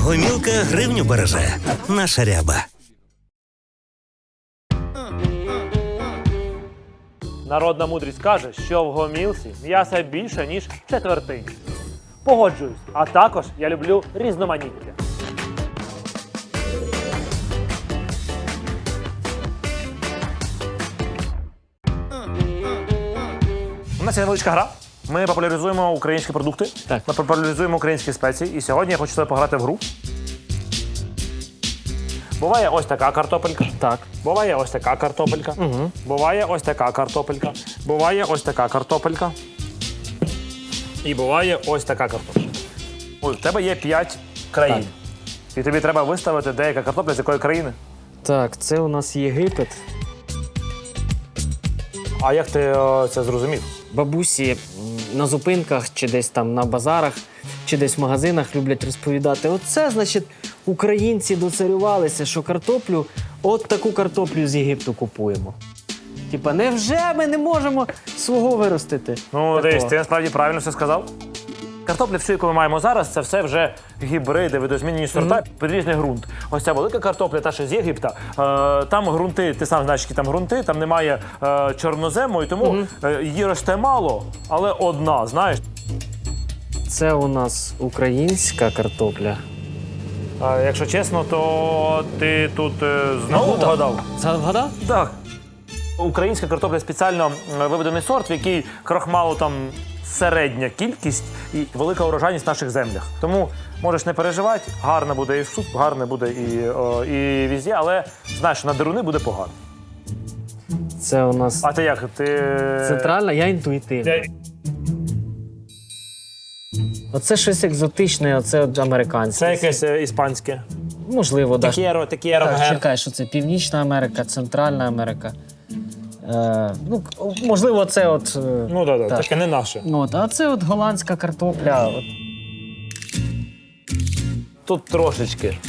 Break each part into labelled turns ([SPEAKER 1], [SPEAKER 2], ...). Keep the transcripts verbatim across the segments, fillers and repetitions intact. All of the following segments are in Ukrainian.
[SPEAKER 1] Гомілка гривню береже. Наша ряба.
[SPEAKER 2] Народна мудрість каже, що в гомілці м'яса більше, ніж в четвертині. Погоджуюсь, а також я люблю різноманіття. У нас є невеличка гра. Ми популяризуємо українські продукти,
[SPEAKER 3] Так.
[SPEAKER 2] ми популяризуємо українські спеції. І сьогодні я хочу з тобою пограти в гру. Буває ось така картопелька.
[SPEAKER 3] Так.
[SPEAKER 2] Буває ось така картопелька.
[SPEAKER 3] Угу.
[SPEAKER 2] Буває ось така картопелька. Буває ось така картопелька. І буває ось така картопелька. Ой, в тебе є п'ять країн. І тобі треба виставити деяка картопля з якої країни.
[SPEAKER 3] Так, це у нас Єгипет.
[SPEAKER 2] А як ти о, це зрозумів?
[SPEAKER 3] Бабусі м, на зупинках чи десь там на базарах, чи десь в магазинах люблять розповідати. Оце, значить, українці доцарювалися, що картоплю, от таку картоплю з Єгипту купуємо. Типа, невже ми не можемо свого виростити?
[SPEAKER 2] Ну,
[SPEAKER 3] Такого.
[SPEAKER 2] дивись, ти насправді правильно все сказав. Картопля, всю, яку ми маємо зараз, це все вже гібриди, видозмінені сорта під різний ґрунт. Ось ця велика картопля, та ще з Єгипта, е, там ґрунти, ти сам знаєш, які там ґрунти, там немає е, чорнозему, і тому е, її росте мало, але одна, знаєш.
[SPEAKER 3] Це у нас українська картопля.
[SPEAKER 2] А якщо чесно, то ти тут е, знову вгадав?
[SPEAKER 3] Згадав?
[SPEAKER 2] Так. Українська картопля спеціально е, виведений сорт, в який крохмалу там середня кількість і велика урожайність в наших землях. Тому можеш не переживати, гарно буде і в суп, гарно буде і, о, і візді, але знаєш, на деруни буде погано.
[SPEAKER 3] Це у нас
[SPEAKER 2] А ти як? Ти...
[SPEAKER 3] центральна, я інтуїтивна.
[SPEAKER 2] Я...
[SPEAKER 3] Оце щось екзотичне, оце от американське.
[SPEAKER 2] Це якесь е, іспанське.
[SPEAKER 3] Можливо, да.
[SPEAKER 2] Текєро, текєро.
[SPEAKER 3] Так,
[SPEAKER 2] ге.
[SPEAKER 3] чекай, що це Північна Америка, Центральна Америка. Е, ну, к- можливо, це от. е,
[SPEAKER 2] Ну так, да,
[SPEAKER 3] Так.
[SPEAKER 2] таке не наше.
[SPEAKER 3] От, а це от голландська картопля. От.
[SPEAKER 2] Тут трошечки.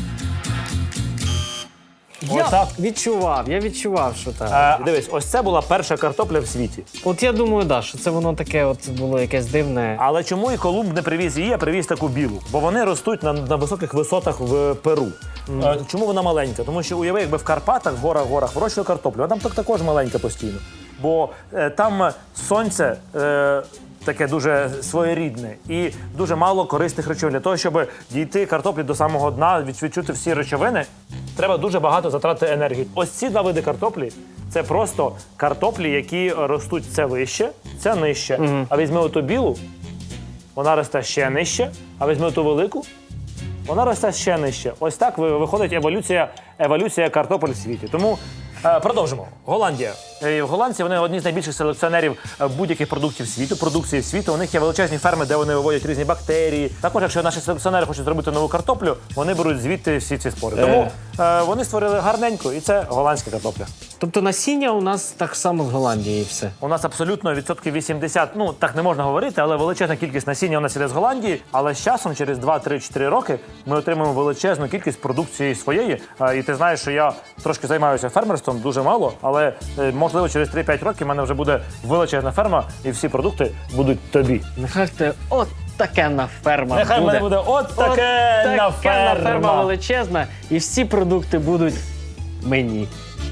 [SPEAKER 3] Я
[SPEAKER 2] Отак.
[SPEAKER 3] відчував, я відчував, що так.
[SPEAKER 2] Е, дивись, ось це була перша картопля в світі.
[SPEAKER 3] От я думаю, да, що це воно таке от було якесь дивне.
[SPEAKER 2] Але чому і Колумб не привіз її, а привіз таку білу? Бо вони ростуть на, на високих висотах в Перу. Е, чому вона маленька? Тому що уяви, якби в Карпатах, в горах, горах вирощували картоплю, вона там так також маленька постійно. Бо е, там сонце е, таке дуже своєрідне і дуже мало корисних речовин. Для того, щоб дійти картоплі до самого дна, відчути всі речовини, треба дуже багато затратити енергії. Ось ці два види картоплі – це просто картоплі, які ростуть це вище, це нижче. А візьми оту білу, вона росте ще нижче, а візьми оту велику, вона росте ще нижче. Ось так ви- виходить еволюція, еволюція картопель в світі. Тому е, продовжимо. Голландія. Е, в Голландії вони одні з найбільших селекціонерів е, будь-яких продуктів світу, продукції світу. У них є величезні ферми, де вони виводять різні бактерії. Також, якщо наші селекціонери хочуть зробити нову картоплю, вони беруть звідти всі ці спори. Тому е, вони створили гарненьку, і це голландська картопля.
[SPEAKER 3] Тобто насіння у нас так само з Голландії і все.
[SPEAKER 2] У нас абсолютно відсотків вісімдесят, ну так не можна говорити, але величезна кількість насіння у нас іде з Голландії. Але з часом, через два-три-чотири роки, ми отримуємо величезну кількість продукції своєї. А, І ти знаєш, що я трошки займаюся фермерством, дуже мало, але е, можливо через три-п'ять років в мене вже буде величезна ферма, і всі продукти будуть тобі.
[SPEAKER 3] Нехай те от таке на ферма
[SPEAKER 2] Нехай в
[SPEAKER 3] буде.
[SPEAKER 2] мене буде от таке
[SPEAKER 3] От
[SPEAKER 2] на
[SPEAKER 3] таке на ферма
[SPEAKER 2] ферма.
[SPEAKER 3] величезна, і всі продукти будуть мені.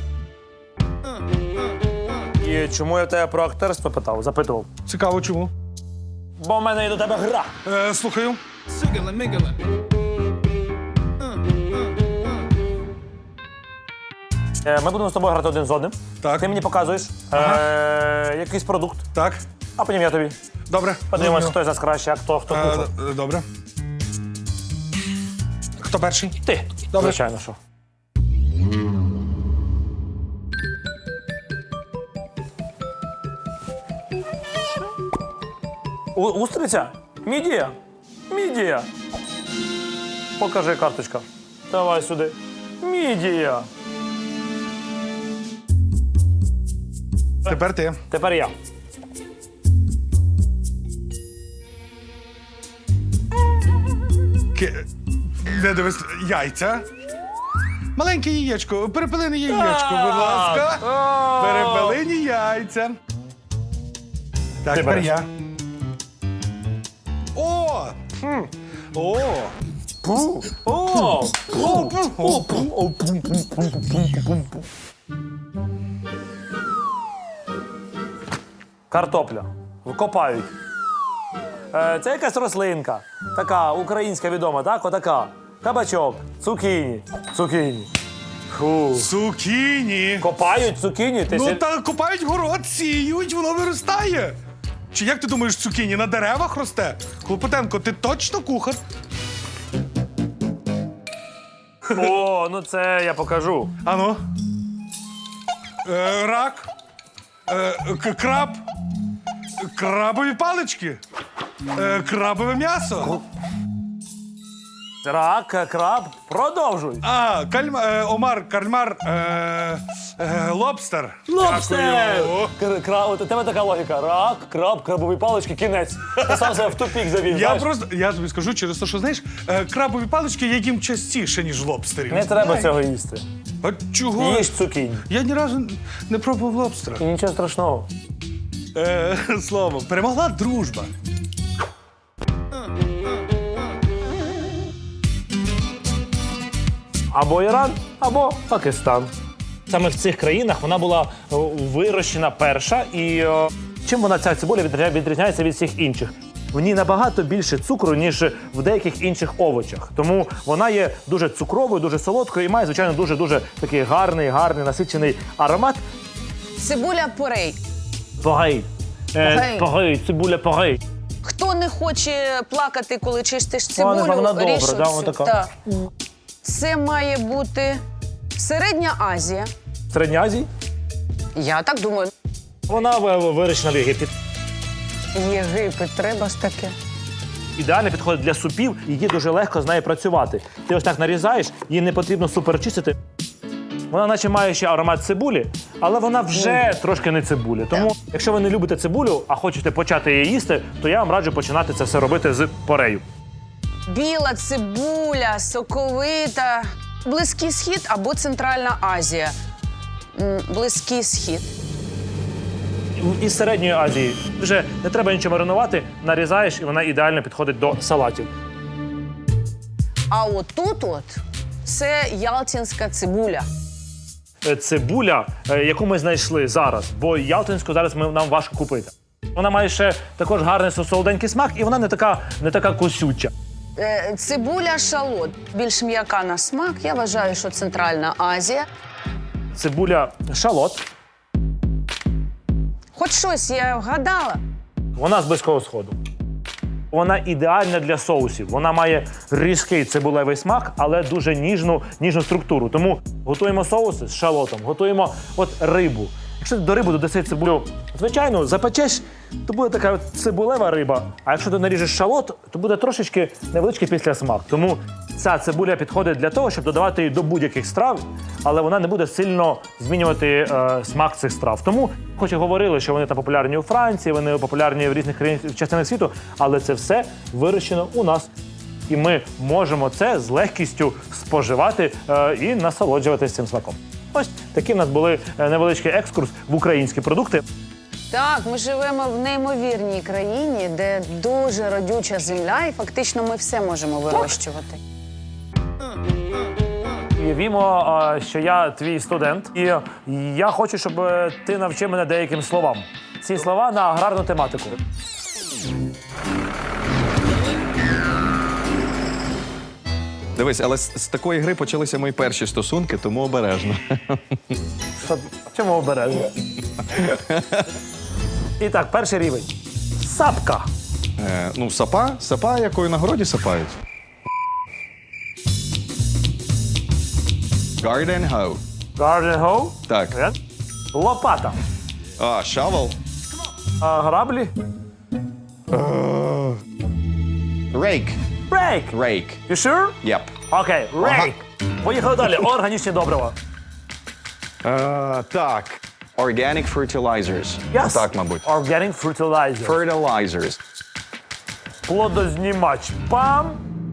[SPEAKER 2] І чому я в тебе про актерство питав, запитував?
[SPEAKER 4] Цікаво, чому?
[SPEAKER 2] Бо в мене є до тебе гра.
[SPEAKER 4] Е, слухаю.
[SPEAKER 2] Е, Ми будемо з тобою грати один з одним.
[SPEAKER 4] Так.
[SPEAKER 2] Ти мені показуєш е, якийсь продукт,
[SPEAKER 4] Так.
[SPEAKER 2] а потім я тобі.
[SPEAKER 4] Добре.
[SPEAKER 2] Подивимось,
[SPEAKER 4] Зрозумів.
[SPEAKER 2] хто з нас краще, а хто, хто
[SPEAKER 4] Е,
[SPEAKER 2] кухар.
[SPEAKER 4] е, Добре. Хто перший?
[SPEAKER 2] Ти.
[SPEAKER 4] Добре.
[SPEAKER 2] Звичайно, що. У, устриця? Мідія. Мідія. Покажи карточка. Давай сюди. Мідія.
[SPEAKER 4] Тепер ти.
[SPEAKER 2] Тепер я.
[SPEAKER 4] Ки... Не дивись. Яйця. Маленьке яєчко. Перепелине яєчко, будь ласка. Перепелині яйця. Так,
[SPEAKER 2] Ти
[SPEAKER 4] тепер
[SPEAKER 2] береш.
[SPEAKER 4] я. О! О!
[SPEAKER 2] О! О! О! О! Картопля. Копають. Е, Це якась рослинка. Така українська відома, так? Отака. Кабачок, цукіні. Цукіні. Фу.
[SPEAKER 4] Цукіні.
[SPEAKER 2] Копають цукіні. Ти
[SPEAKER 4] Ну
[SPEAKER 2] сі-
[SPEAKER 4] та копають город, сіють, воно виростає. Чи як ти думаєш, цукіні на деревах росте? Клопотенко, ти точно кухар?
[SPEAKER 2] О, ну це я покажу.
[SPEAKER 4] Ану. Е, рак. Е, к- краб. Крабові палички. Е, крабове м'ясо.
[SPEAKER 2] Рак, краб, продовжуй.
[SPEAKER 4] А, кальма, е, омар, кальмар, е, е, лобстер.
[SPEAKER 2] Лобстер!
[SPEAKER 4] Дякую.
[SPEAKER 2] Кр- кра- От у тебе така логіка. Рак, краб, крабові палички, кінець. Ти сам себе в тупік завів.
[SPEAKER 4] Я
[SPEAKER 2] знаєш?
[SPEAKER 4] просто, я тобі скажу через те, що, знаєш, е, крабові палички я їм частіше, ніж лобстерів.
[SPEAKER 2] Не треба цього їсти.
[SPEAKER 4] А чого?
[SPEAKER 2] Їж цукінь.
[SPEAKER 4] Я ні разу не пробував лобстера.
[SPEAKER 2] І нічого страшного.
[SPEAKER 4] Е, слово, перемогла дружба.
[SPEAKER 2] Або Іран, або Пакистан. Саме в цих країнах вона була о, вирощена перша. І о, чим вона ця цибуля відрізняє- відрізняється від всіх інших? В ній набагато більше цукру, ніж в деяких інших овочах. Тому вона є дуже цукровою, дуже солодкою і має, звичайно, дуже-дуже такий гарний, гарний, насичений аромат.
[SPEAKER 5] Цибуля порей.
[SPEAKER 2] Погей.
[SPEAKER 5] Погей.
[SPEAKER 2] Погей, цибуля погей.
[SPEAKER 5] Хто не хоче плакати, коли чистиш
[SPEAKER 2] Вона-
[SPEAKER 5] цибулю,
[SPEAKER 2] вона добра,
[SPEAKER 5] ріж
[SPEAKER 2] да,
[SPEAKER 5] оцю.
[SPEAKER 2] вона така.
[SPEAKER 5] Та. Це має бути Середня Азія.
[SPEAKER 2] В Середній Азії
[SPEAKER 5] Я так думаю.
[SPEAKER 2] вона в- вирощена в Єгипті.
[SPEAKER 5] Єгипет, треба ж таке.
[SPEAKER 2] Ідеально підходить для супів, її дуже легко з нею працювати. Ти ось так нарізаєш, її не потрібно супер чистити. Вона наче має ще аромат цибулі, але вона вже трошки не цибулі. Тому, якщо ви не любите цибулю, а хочете почати її їсти, то я вам раджу починати це все робити з порею.
[SPEAKER 5] Біла цибуля, соковита. Близький Схід або Центральна Азія. М, Близький Схід.
[SPEAKER 2] Із Середньої Азії вже не треба нічого маринувати, нарізаєш, і вона ідеально підходить до салатів.
[SPEAKER 5] А отут от це ялтинська цибуля.
[SPEAKER 2] Е, Цибуля, е, яку ми знайшли зараз, бо ялтинську зараз ми, нам важко купити. Вона має ще також гарний солоденький смак, і вона не така, не така косюча.
[SPEAKER 5] Е, Цибуля шалот. Більш м'яка на смак. Я вважаю, що Центральна Азія.
[SPEAKER 2] Цибуля шалот.
[SPEAKER 5] Хоч щось я вгадала.
[SPEAKER 2] Вона з Близького Сходу. Вона ідеальна для соусів. Вона має різкий цибулевий смак, але дуже ніжну, ніжну структуру. Тому готуємо соуси з шалотом, готуємо от рибу. Якщо ти до риби додаси цибулю, звичайно, запечеш, то буде така от цибулева риба. А якщо ти наріжеш шалот, то буде трошечки невеличкий післясмак. Тому ця цибуля підходить для того, щоб додавати її до будь-яких страв, але вона не буде сильно змінювати е, смак цих страв. Тому, хоч і говорили, що вони там популярні у Франції, вони популярні в різних країнах частинах світу, але це все вирощено у нас. І ми можемо це з легкістю споживати е, і насолоджуватися цим смаком. Ось такі в нас були е, невеличкий екскурс в українські продукти.
[SPEAKER 5] Так, ми живемо в неймовірній країні, де дуже родюча земля, і фактично ми все можемо вирощувати.
[SPEAKER 2] Уявімо, е, що я твій студент, і я хочу, щоб е, ти навчив мене деяким словам. Ці слова на аграрну тематику.
[SPEAKER 6] Дивись, але з, з такої гри почалися мої перші стосунки, тому обережно.
[SPEAKER 2] Що, чому обережно? І так, перший рівень. Сапка.
[SPEAKER 6] Е, ну, сапа, сапа, якою на городі сапають. Garden hoe.
[SPEAKER 2] Garden hoe.
[SPEAKER 6] Так.
[SPEAKER 2] Е? Лопата.
[SPEAKER 6] А, shovel.
[SPEAKER 2] А, граблі.
[SPEAKER 6] Rake.
[SPEAKER 2] Рейк.
[SPEAKER 6] Rake.
[SPEAKER 2] You sure?
[SPEAKER 6] Yep.
[SPEAKER 2] Окей, рейк. Поїхали далі. Органічні добрива.
[SPEAKER 6] Е, так. Organic fertilizers.
[SPEAKER 2] Yes.
[SPEAKER 6] Так, мабуть.
[SPEAKER 2] Organic fertilizer.
[SPEAKER 6] Fertilizers.
[SPEAKER 2] Плодознімач. Пам.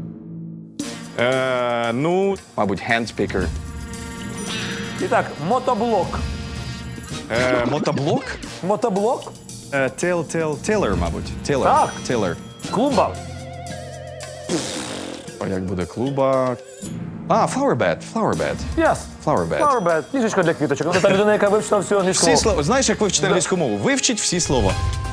[SPEAKER 6] Е, ну, мабуть, hand picker.
[SPEAKER 2] І так, мотоблок.
[SPEAKER 6] Е, мотоблок?
[SPEAKER 2] Мотоблок.
[SPEAKER 6] Е, till, till, tiller, мабуть. Tiller.
[SPEAKER 2] Так.
[SPEAKER 6] Tiller.
[SPEAKER 2] Клумба.
[SPEAKER 6] А як буде клуба? А, flower bed, flower bed.
[SPEAKER 2] Yes.
[SPEAKER 6] Flower bed.
[SPEAKER 2] Flower bed. Ліжечко для квіточок. Вона та людина, яка вивчила всю англійську
[SPEAKER 6] Всі
[SPEAKER 2] мову.
[SPEAKER 6] слова. Знаєш, як вивчити англійську мову? Вивчіть всі слова.